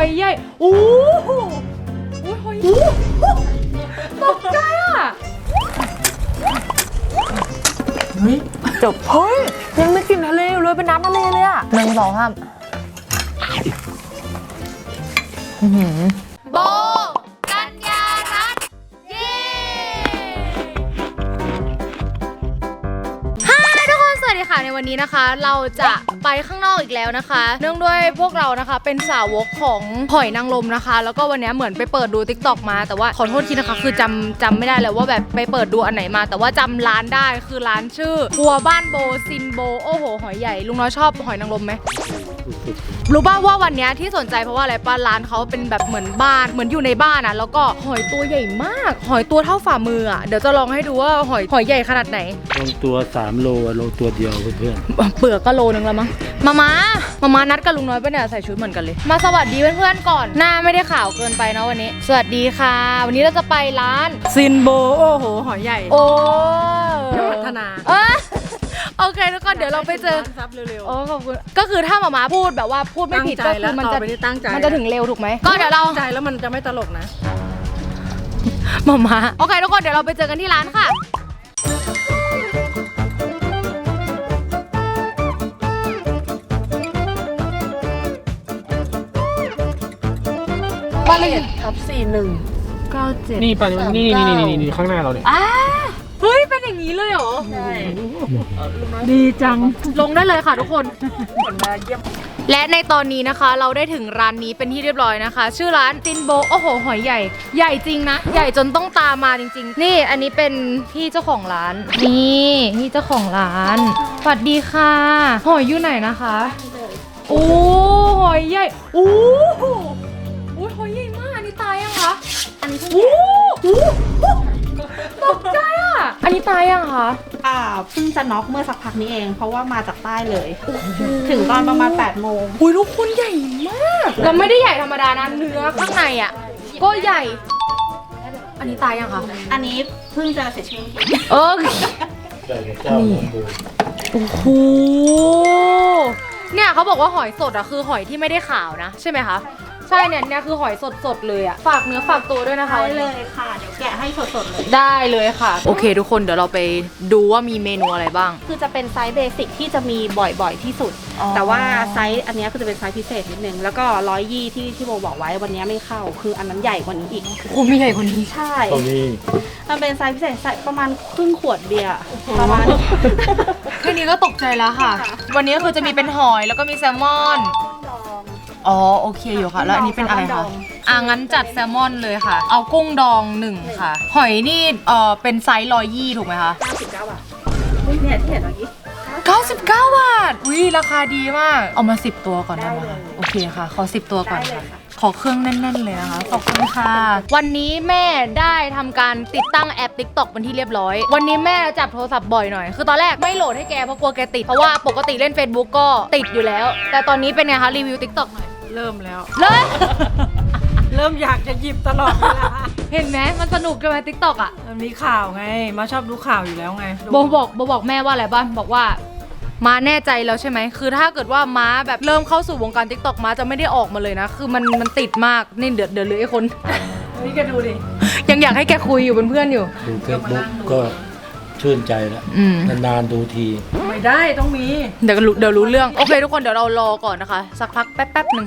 ใหญ่โอ้โหหอยตกใจอ่ะเฮ้ยจบเฮ้ยยังไม่กินทะเลเลยเป็นน้ำทะเลเลยอ่ะ1 2 3โบกัญญารัตน์เย้สวัสดีค่ะในวันนี้นะคะเราจะไปข้างนอกอีกแล้วนะคะเนื่องด้วยพวกเรานะคะเป็นสาวกของหอยนางรมนะคะแล้วก็วันนี้เหมือนไปเปิดดู TikTok มาแต่ว่าขอโทษทีนะคะคือจำไม่ได้เลยว่าแบบไปเปิดดูอันไหนมาแต่ว่าจำร้านได้คือร้านชื่อครัวบ้านโบซินโบโอ้โหหอยใหญ่ลุงน้อยชอบหอยนางรมไหมรู้ป่าวว่าวันนี้ที่สนใจเพราะว่าอะไรป้าร้านเขาเป็นแบบเหมือนบ้านเหมือนอยู่ในบ้านอ่ะแล้วก็หอยตัวใหญ่มากหอยตัวเท่าฝ่ามืออ่ะเดี๋ยวจะลองให้ดูว่าหอยใหญ่ขนาดไหนลงตัว3 โลโลตัวเดียวเพื่อนเปลือกก็โลนึงแล้วมั้งมานัดกับลุงน้อยปะเนี่ยใส่ชุดเหมือนกันเลยมาสวัสดีเพื่อนๆก่อนหน้าไม่ได้ขาวเกินไปเนาะวันนี้สวัสดีค่ะวันนี้เราจะไปร้านซินโบโอ้โหหอยใหญ่โอ้พัฒนาโอเคทุกคนเดี๋ยวเราไปเจอซับเร็วๆโอ้ขอบคุณก็คือถ้ามาพูดแบบว่าพูดไม่ผิดก็คือมันจะถึงเร็วถูกไหมก็เดี๋ยวเราใจแล้วมันจะไม่ตลกนะมาโอเคทุกคนเดี๋ยวเราไปเจอกันที่ร้านค่ะบ้านเลขทับ4197 นี่ปันนี่ข้างหน้าเราเนี่ยเฮ้ยเป็นอย่างนี้เลยเหรอใช่ดีจังลงได้เลยค่ะทุกคนและในตอนนี้นะคะเราได้ถึงร้านนี้เป็นที่เรียบร้อยนะคะชื่อร้านซินโบโอ้โหหอยใหญ่จริงนะใหญ่จนต้องตามมาจริงๆนี่อันนี้เป็นพี่เจ้าของร้านนี่เจ้าของร้านสวัสดีค่ะหอยอยู่ไหนนะคะโอ้หอยใหญ่โอ้โหหอยใหญ่มากอันนี้ตายยังคะอันนี้เพิ่งตกใจอ่ะอันนี้ตายยังคะเพิ่งจะน็อกเมื่อสักพักนี้เองเพราะว่ามาจากใต้เลยถึงตอนประมาณ8 โมงลูกคุณใหญ่มากแล้วไม่ได้ใหญ่ธรรมดานะเนื้อข้างในอ่ะก็ใหญ่อันนี้ตายยังคะอันนี้เพิ่งจะเสียชีวิตนี่โอ้โหเนี่ยเขาบอกว่าหอยสดอ่ะคือหอยที่ไม่ได้ขาวนะใช่ไหมคะใช่เนี่ยคือหอยสดๆเลยอ่ะฝากเนื้อฝากตัวด้วยนะคะได้เลยค่ะเดี๋ยวแกะให้สดๆเลยได้เลยค่ะโอเคทุกคนเดี๋ยวเราไปดูว่ามีเมนูอะไรบ้างคือจะเป็นไซส์เบสิกที่จะมีบ่อยๆที่สุดแต่ว่าไซส์อันนี้คือจะเป็นไซส์พิเศษนิดนึงแล้วก็120ที่โบบอกไว้วันนี้ไม่เข้าคืออันนั้นใหญ่กว่านี้อีกโอ้มีใหญ่กว่านี้ใช่มันเป็นไซส์พิเศษใส่ประมาณครึ่งขวดเบียร์ประมาณแค่นี้ก็ตกใจแล้วค่ะวันนี้คือจะมีเป็นหอยแล้วก็มีแซลมอนอ๋อโอเคอยู่ค่ะแล้วอันนี้เป็นอะไรคะงั้นจัดแซลมอนเลยค่ะเอากุ้งดอง1ค่ะหอยนี่เป็นไซส์120ถูกไหมคะ 99 บาทเนี่ยที่เห็นเมื่อกี้ 99 บาทราคาดีมากเอามา10 ตัวก่อนได้ไหมคะโอเคค่ะขอ10 ตัวก่อนค่ะขอเครื่องแน่นๆเลยนะคะขอบคุณค่ะวันนี้แม่ได้ทำการติดตั้งแอป TikTok เป็นที่เรียบร้อยวันนี้แม่จับโทรศัพท์บ่อยหน่อยคือตอนแรกไม่โหลดให้แกเพราะกลัวแกติดเพราะว่าปกติเล่น Facebook ก็ติดอยู่แล้วแต่ตอนนี้เป็นไงคะรีวิว TikTok หน่อยเริ่มแล้วเลยเริ่มอยากจะหยิบตลอดเวลาเห็นไหมมันสนุกกันไหม TikTok อ่ะมันมีข่าวไงมาชอบดูข่าวอยู่แล้วไงโบบอกแม่ว่าอะไรบ้างบอกว่าม้าแน่ใจแล้วใช่ไหมคือถ้าเกิดว่าม้าแบบเริ่มเข้าสู่วงการ TikTok ม้าจะไม่ได้ออกมาเลยนะคือมันติดมากนี่เดือดเลยไอ้คนนี่แกดูดิยังอยากให้แกคุยอยู่เป็นเพื่อนอยู่ดูเฟซบุ๊กก็ชื่นใจแล้วนานๆดูทีไม่ได้ต้องมีเดี๋ยวรู้เรื่องโอเคทุกคนเดี๋ยวเรารอก่อนนะคะสักพักแป๊บหนึ่ง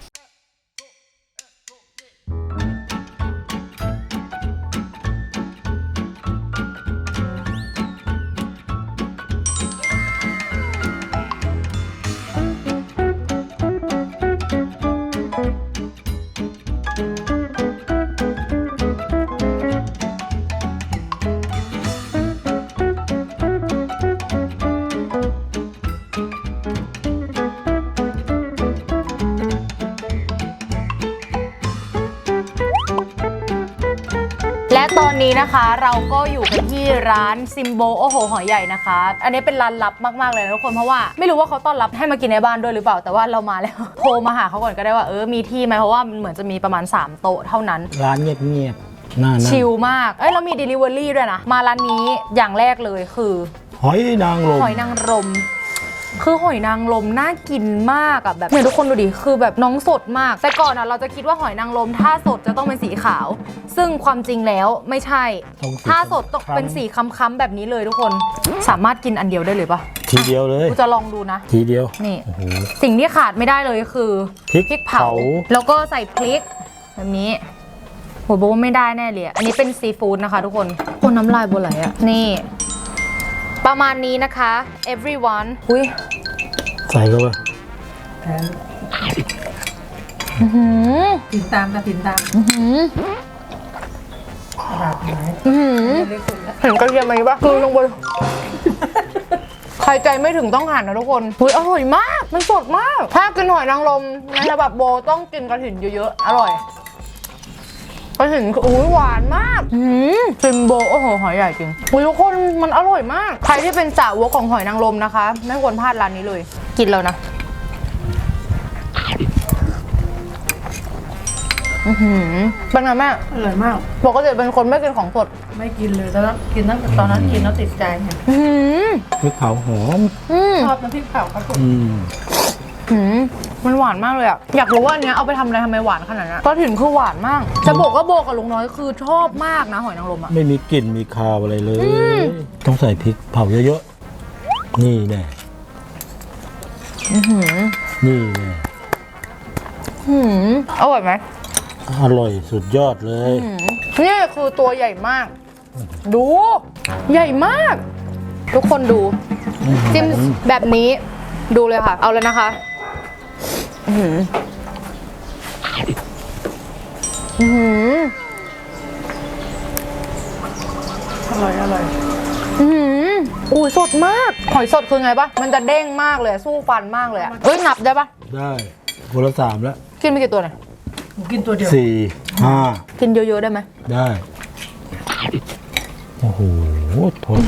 และตอนนี้นะคะเราก็อยู่กันที่ร้านซิมโบโอ้โหหอยใหญ่นะคะอันนี้เป็นร้านลับมากๆเลยนะทุกคนเพราะว่าไม่รู้ว่าเขาต้อนรับให้มากินในบ้านด้วยหรือเปล่าแต่ว่าเรามาแล้วโทรมาหาเขาก่อนก็ได้ว่ามีที่ไหมเพราะว่ามันเหมือนจะมีประมาณ3 โต๊ะเท่านั้นร้านเงียบๆน่าชิลมากเรามี Delivery ด้วยนะมาร้านนี้อย่างแรกเลยคือหอยนางรมคือหอยนางรมน่ากินมากอะแบบเนี่ยทุกคนดูดิคือแบบน้องสดมากแต่ก่อนอะเราจะคิดว่าหอยนางรมถ้าสดจะต้องเป็นสีขาว ซึ่งความจริงแล้วไม่ใช่ ถ้าสดต้องเป็นสีค้ำๆแบบนี้เลยทุกคนสามารถกินอันเดียวได้เลยปะทีเดียวเลยกูจะลองดูนะทีเดียวนี่โอ้โหสิ่งที่ขาดไม่ได้เลยคือพริกเผา แล้วก็ใส่พริกแบบนี้โหโบว่าไม่ได้แน่เลยอันนี้เป็นซีฟู้ดนะคะทุกคนคนน้ำลายโบไหลอะนี่ประมาณนี้นะคะ everyone อุ้ยใส่เข้าไปติดตามจะติดตามกระดาษไหนเล็กสุดแล้วเห็นกระเทียมไหมปะคือลงบน ใครใจไม่ถึงต้องหั่นนะทุกคนอุ้ยอร่อยมาก มันสดมาก ถ้ากินหอยนางรมในฉบับโบต้องกินกระถิ่นเยอะๆ อร่อย กระถิ่นคืออุ้ยหวานมากซิมโบโอ้โหหอยใหญ่จริงอุ้ยทุกคนมันอร่อยมาก ใครที่เป็นสาวกของหอยนางรมนะคะ ไม่ควรพลาดร้านนี้เลย กินแล้วนะเป็นไงแม่อร่อยมากปกติเป็นคนไม่กินของสดไม่กินเลยตอนนั้นกินตั้งแต่ตอนนั้นกินแล้วติดใจไงพริกเผาหอมชอบน้ำพริกเผาครับผมมันหวานมากเลยอะอยากรู้ว่าอันเนี้ยเอาไปทำอะไรทำไมหวานขนาดนั้นก็ถึงคือหวานมาก จะบอกว่าโบกับลุงน้อยคือชอบมากนะหอยนางรมอะไม่มีกลิ่นมีคาวอะไรเลย ต้องใส่พริกเผาเยอะๆ นี่แน่นี่แน่อร่อยไหมอร่อยสุดยอดเลยนี่คือตัวใหญ่มาก ดู ใหญ่มาก ทุกคนดู จิ้มแบบนี้ดูเลยค่ะ เอาเลยนะคะอร่อยอร่อยอุ้ยสดมากหอยสดคือไงปะมันจะเด้งมากเลยสู้ฟันมากเลยอะเอ้ยนับได้ปะได้คนละ3แล้วกินไปกี่ตัวเนี่ยหนูกินตัวเดียว 4 5 กินเยอะๆได้ไหมได้ โอ้โหทน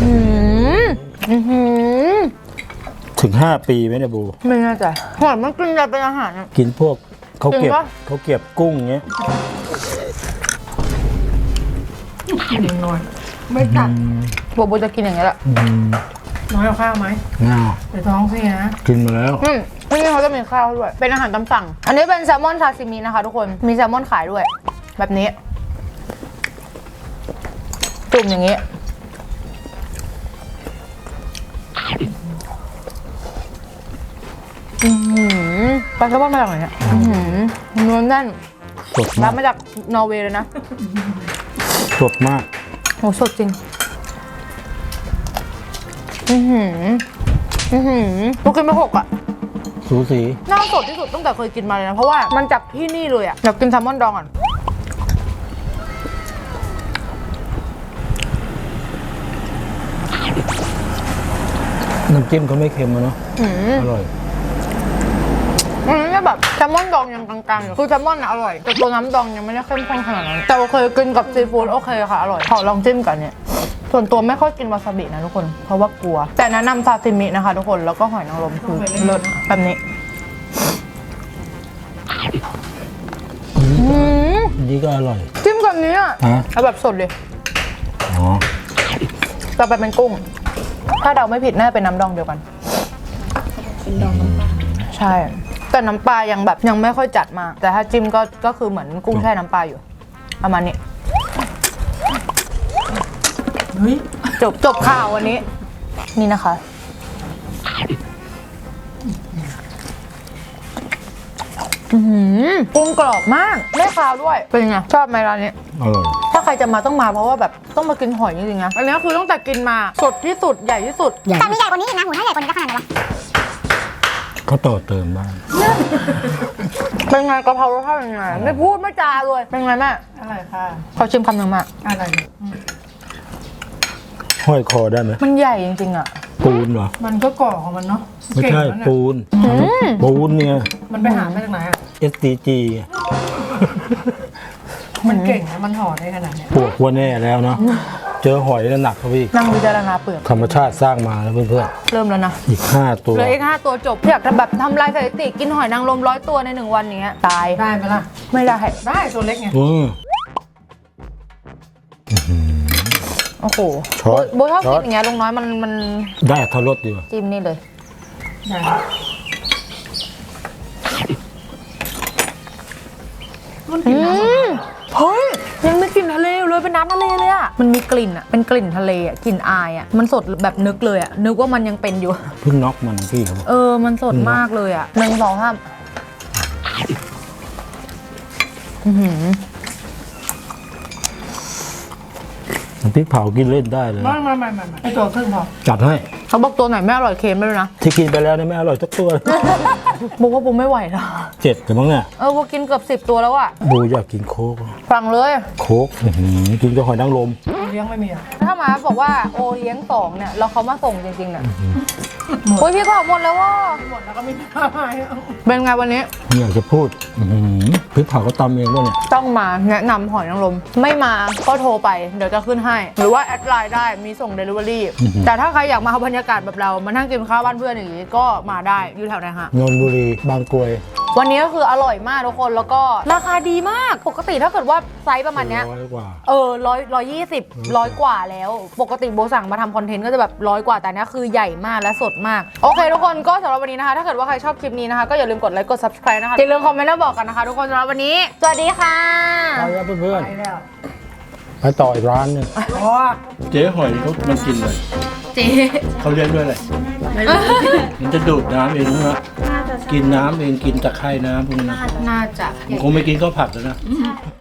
ถึง 5 ปีไหมเนี่ยบูไม่น่าจะหอยมันกินอะไรเป็นอาหารอะกินพวกเขาเก็บจริงปะเขาเก็บกุ้งเงี้ยกินหน่อย ไม่จัดโบโบจะกินอย่างเงี้ยแหละน้อยเอาข้าวไหมง่าเดี๋ยวท้องเสียนะกินมาแล้วที่นี่เขาจะมีข้าวด้วย เป็นอาหารตามสั่ง อันนี้เป็นแซลมอนซาซิมินะคะทุกคน มีแซลมอนขายด้วย แบบนี้ จุ่มอย่างนี้ ปลาแซลมอนมาจากไหนเนี่ยเนื้อแน่นสดรัมาบกมาจากนอร์เวย์เลยนะสดมากโหสดจริงเรากินไป6 อ่ะสูสีน่าสดที่สุดตั้งแต่เคยกินมาเลยนะ เพราะว่ามันจากที่นี่เลยอ่ะอยากกินแซลมอนดองก่อนน้ำจิ้มเขาไม่เค็มอะเนาะอร่อยอันนี้แบบแซลมอนดองยังกลางๆอยู่คือแซลมอนน่ะอร่อยแต่ตัวน้ำดองยังไม่ได้เข้มข้นขนาดนั้นแต่โอเคกินกับซีฟู้ดโอเคค่ะอร่อยขอลองจิ้มกันเนี่ยส่วนตัวไม่ค่อยกินวาซาบินะทุกคนเพราะว่ากลัว แต่แนะนำซาซิมินะคะทุกคนแล้วก็หอยนางรมคือเลิศแบบนี้อันนี้ก็อร่อยจิ้มกับนี้อ่ะฮะเอาแบบสดเลยอ๋อต่อไปเป็นกุ้ง ถ้าเดาไม่ผิดน่าจะเป็นน้ำดองเดียวกันเป็นดองน้ำปลาใช่ แต่น้ำปลายังแบบยังไม่ค่อยจัดมาก แต่ถ้าจิ้มก็คือเหมือนกุ้งแช่น้ำปลาอยู่ประมาณนี้เฮ้ยจบข่าววันนี้ นี่นะคะกุ้งกรอบมากไม่คาวด้วย เป็นไงชอบไหมร้านนี้อร่อยถ้าใครจะมาต้องมาเพราะว่าแบบต้องมากินหอยจริงๆนะอันนี้คือตั้งแต่กินมาสดที่สุดใหญ่ที่สุดแต่มีใหญ่กว่านี้อีกนะหูถ้าใหญ่กว่านี้จะขนาดไหนวะเขาต่อเติมบ้างเป็นไงกะเพรารสชาติเป็นไงไม่พูดไม่จาเลยเป็นไงแม่อร่อยค่ะขอชิมคำหนึ่งมาอร่อยห้อยคอได้ไหมมันใหญ่จริงๆอ่ะปูนเหรอมันก็ก่อของมันเนาะไม่ใช่เก่งแล้วนะปูน ปูนเนี่ยมันไปหามาจากไหนอ่ะ SDG มันเก่งนะมันห่อได้ขนาดเนี้ยปวกว่าแน่แล้วเนาะ เจอหอยแล้วหนักเขาพี่นั่งวิจารณาเปลือกธรรมชาติสร้างมาแล้วเพื่อนเริ่มแล้วนะๆอีก 5 ตัวเหลืออีก5 ตัวจบอยากจะแบบทำลายสถิติกินหอยนางรม100 ตัวใน1 วันอย่างเงี้ยตายได้ไหมล่ะไม่ได้ได้ตัวเล็กไงโอ้โหช้อนโบชอบช้กิอนนอย่างเงี้ยลุงน้อยมันได้ทรสดีว่ะจิ้มนี่เลยใหญ่ มันกินน้ำเฮ้ยยังไม่กลิ่นทะเลอยู่เลยเป็นน้ำทะเลเลยอ่ะมันมีกลิ่นอ่ะเป็นกลิ่นทะเลอ่ะกลิ่นอายอ่ะมันสดแบบนึกเลยอ่ะนึกว่ามันยังเป็นอยู่เพิ่งน็อกมันพี่เขาบอกมันสดมากเลยอ่ะ1 2 3อื้อหือน้ำพริกเผากินเล่นได้เลยไม่ไอตัวครึ่งพอจัดให้เขาบอกตัวไหนไม่อร่อยเค็มไปเลยนะที่กินไปแล้วเนี่ยไม่อร่อยสักตัวบอกว่าผมไม่ไหวแล้ว 7แต่มั้งเนี่ยว่ากินเกือบ10 ตัวแล้วอ่ะบูอยากกินโค้กฟังเลยโค้กกินกับหอยนางรมเลี้ยงไม่มีอ่ะถ้าหมาบอกว่าโอเลี้ยง2เนี่ยแล้วเขามาส่งจริงๆเนี่ยโอ้ยพี่ก็หมดแล้วว่าหมดแล้วก็ไม่มีข้าวให้เป็นไงวันนี้ไม่อยากจะพูดพริกเผาก็ตำเองด้วยเนี่ยต้องมาแนะนำหอยนางรมไม่มาก็โทรไปเดี๋ยวจะขึ้นให้ หรือว่าแอดไลน์ได้มีส่ง Delivery แต่ถ้าใครอยากมาบรรยากาศแบบเรามานั่งกินข้าวบ้านเพื่อนอย่างนี้ก็มาได้อยู่แถวไหนฮะนนทบุรีบางกรวยวันนี้ก็คืออร่อยมากทุกคนแล้วก็ราคาดีมากปกติถ้าเกิดว่าไซส์ประมาณเนี้ย 100 กว่า 120 100 กว่าแล้ว ปกติโบสั่งมาทำคอนเทนต์ก็จะแบบ100 กว่าแต่เนี้ยคือใหญ่มากและสดมาก โอเคทุกคนก็สำหรับวันนี้นะคะ ถ้าเกิดว่าใครชอบคลิปนี้นะคะ ก็อย่าลืมกดไลค์กด subscribe นะคะอย่าลืมคอมเมนต์แล้วบอกกันนะคะ ทุกคนสำหรับวันนี้ สวัสดีค่ะไปแล้วเพื่อนไปแล้วๆไปต่ออีกร้านหนึงอ๋อเจ๊หอยเขามันกินเลยเจ๊เขาเลี้ยงด้วยอะไรมันจะดูดน้ำเองนะกินน้ำเองกินตะไคร่น้ำพวกนี้นะน่าจะมันคงไม่กินข้าวผัดแล้วนะ